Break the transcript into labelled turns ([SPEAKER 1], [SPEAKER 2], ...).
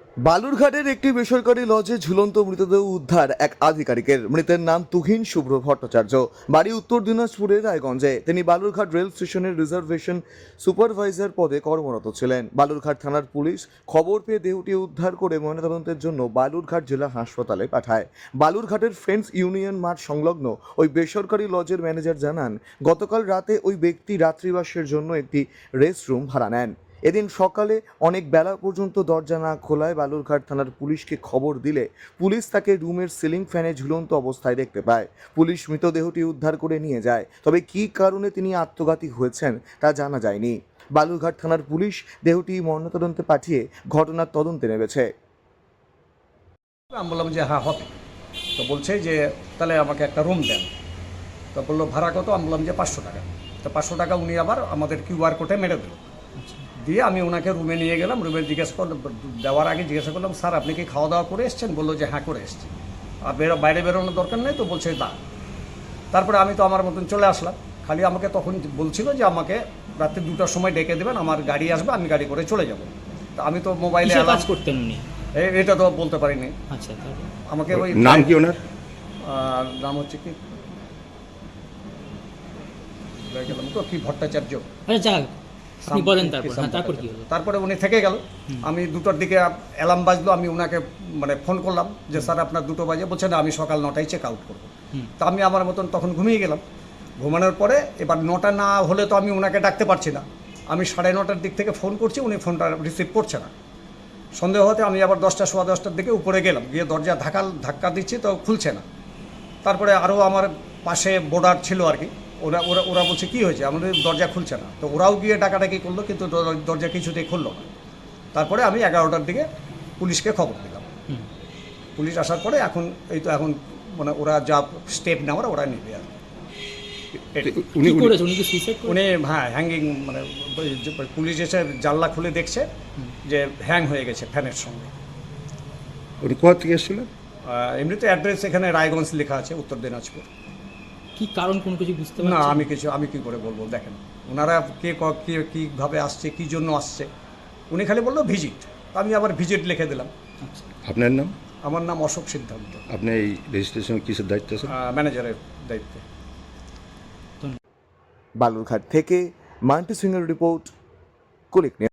[SPEAKER 1] বালুরঘাটের একটি বেসরকারি লজে ঝুলন্ত মৃতদেহ উদ্ধার এক আধিকারিকের। মৃতের নাম তুহিন শুভ্র ভট্টাচার্য, বাড়ি উত্তর দিনাজপুরের রায়গঞ্জে। তিনি বালুরঘাট রেল স্টেশনের রিজার্ভেশন সুপারভাইজার পদে কর্মরত ছিলেন। বালুরঘাট থানার পুলিশ খবর পেয়ে দেহটি উদ্ধার করে ময়নাতদন্তের জন্য বালুরঘাট জেলা হাসপাতালে পাঠায়। বালুরঘাটের ফ্রেন্ডস ইউনিয়ন মাঠ সংলগ্ন ওই বেসরকারি লজের ম্যানেজার জানান, গতকাল রাতে ওই ব্যক্তি রাত্রিবাসের জন্য একটি রেস্টরুম ভাড়া নেন। এদিন সকালে অনেক বেলা পর্যন্ত দরজা না খোলায় বালুরঘাট থানার পুলিশকে খবর দিলে পুলিশ তাকে রুমের সিলিং ফ্যানে ঝুলন্ত অবস্থায় দেখতে পায়। পুলিশ মৃতদেহটি উদ্ধার করে নিয়ে যায়, তবে কী কারণে তিনি আত্মঘাতী হয়েছেন তা জানা যায়নি। বালুরঘাট থানার পুলিশ দেহটি ময়নাতদন্তে পাঠিয়ে ঘটনার তদন্তে নেমেছে।
[SPEAKER 2] আমি বললাম যে হ্যাঁ হবে। তো বলছে যে তাহলে আমাকে একটা রুম দেন। তো বললো ভাড়া কত? আমি বললাম যে 500 টাকা। তো 500 টাকা উনি আবার আমাদের কিউআর কোডে মেরে দিল। দিয়ে আমি ওনাকে রুমে নিয়ে গেলাম। রুমে জিজ্ঞেস করলাম, দেওয়ার আগে জিজ্ঞাসা করলাম, স্যার আপনি কি খাওয়া দাওয়া করে এসছেন? বললো যে হ্যাঁ করে এসছি। আর বাইরে বেরোনোর দরকার নেই? তো বলছে না। তারপরে আমি তো আমার মতন চলে আসলাম। খালি আমাকে তখন বলছিল যে আমাকে রাত্রি 2টার সময় ডেকে দেবেন, আমার গাড়ি আসবে, আমি গাড়ি করে চলে যাব। তো আমি তো মোবাইলে
[SPEAKER 3] কিসের কাজ করতেন উনি?
[SPEAKER 2] এটা তো বলতে পারিনি।
[SPEAKER 3] আচ্ছা, তারপর?
[SPEAKER 2] আমাকে ওই
[SPEAKER 4] নাম কি ওনার?
[SPEAKER 2] নাম হচ্ছে কি ভুলে গেলাম তো, কি ভট্টাচার্য।
[SPEAKER 3] আচ্ছা যাক, আপনি বলেন তারপর। হ্যাঁ, তারপর কি হলো?
[SPEAKER 2] তারপরে উনি থেকে গেল। আমি 2টার দিকে অ্যালার্ম বাজলো, আমি ওনাকে মানে ফোন করলাম যে স্যার আপনার 2টো বাজে। বলছে না, আমি সকাল 9টায় চেক আউট করবো। তা আমি আমার মতন তখন ঘুমিয়ে গেলাম। ঘুমানোর পরে এবার 9টা না হলে তো আমি ওনাকে ডাকতে পারছি না। আমি 9:30টার দিক থেকে ফোন করছি, উনি ফোনটা রিসিভ করছে না। সন্দেহ হতে আমি আবার 10টা সোয়া 10টার দিকে উপরে গেলাম, গিয়ে দরজা ধাক্কা দিচ্ছি, তো খুলছে না। তারপরে আরও আমার পাশে বোর্ডার ছিল আর কি, ওরা ওরা ওরা বলছে কী হয়েছে, আমাদের দরজা খুলছে না। তো ওরাও গিয়ে ডাকাডাকি করলো, কিন্তু দরজা কিছুতেই খুললো না। তারপরে আমি 11টার দিকে পুলিশকে খবর দিলাম। পুলিশ আসার পরে এখন এখন মানে ওরা যা স্টেপ নেওয়ার ওরা নেবে আর
[SPEAKER 3] কি করেছে উনি? কি সুইসাইড করেছে?
[SPEAKER 2] উনি হ্যাঁ হ্যাঙ্গিং, মানে পুলিশ এসে জানলা খুলে দেখছে যে হ্যাং হয়ে গেছে ফ্যানের সঙ্গে।
[SPEAKER 4] উনি কোথা থেকে এসেছিলেন?
[SPEAKER 2] এমনিতে অ্যাড্রেস এখানে রায়গঞ্জ লেখা আছে, উত্তর দিনাজপুর।
[SPEAKER 3] কি কারণ কোনো কিছু বুঝতে
[SPEAKER 2] না,
[SPEAKER 3] পারছেন?
[SPEAKER 2] আমি কি করে বলবো? দেখেন ওনারা কীভাবে আসছে, কী জন্য আসছে। উনি খালি বললো ভিজিট, আমি আবার ভিজিট লিখে দিলাম।
[SPEAKER 3] আচ্ছা।
[SPEAKER 4] আপনার নাম?
[SPEAKER 2] আমার নাম অশোক সিদ্ধান্ত,
[SPEAKER 4] আপনি এই রেজিস্ট্রেশনে কিসের দায়িত্ব আছেন?
[SPEAKER 2] ম্যানেজারের দায়িত্বে।
[SPEAKER 1] বালুরঘাট থেকে মান্টি সিংয়ের রিপোর্ট, কুলিক নিউজ।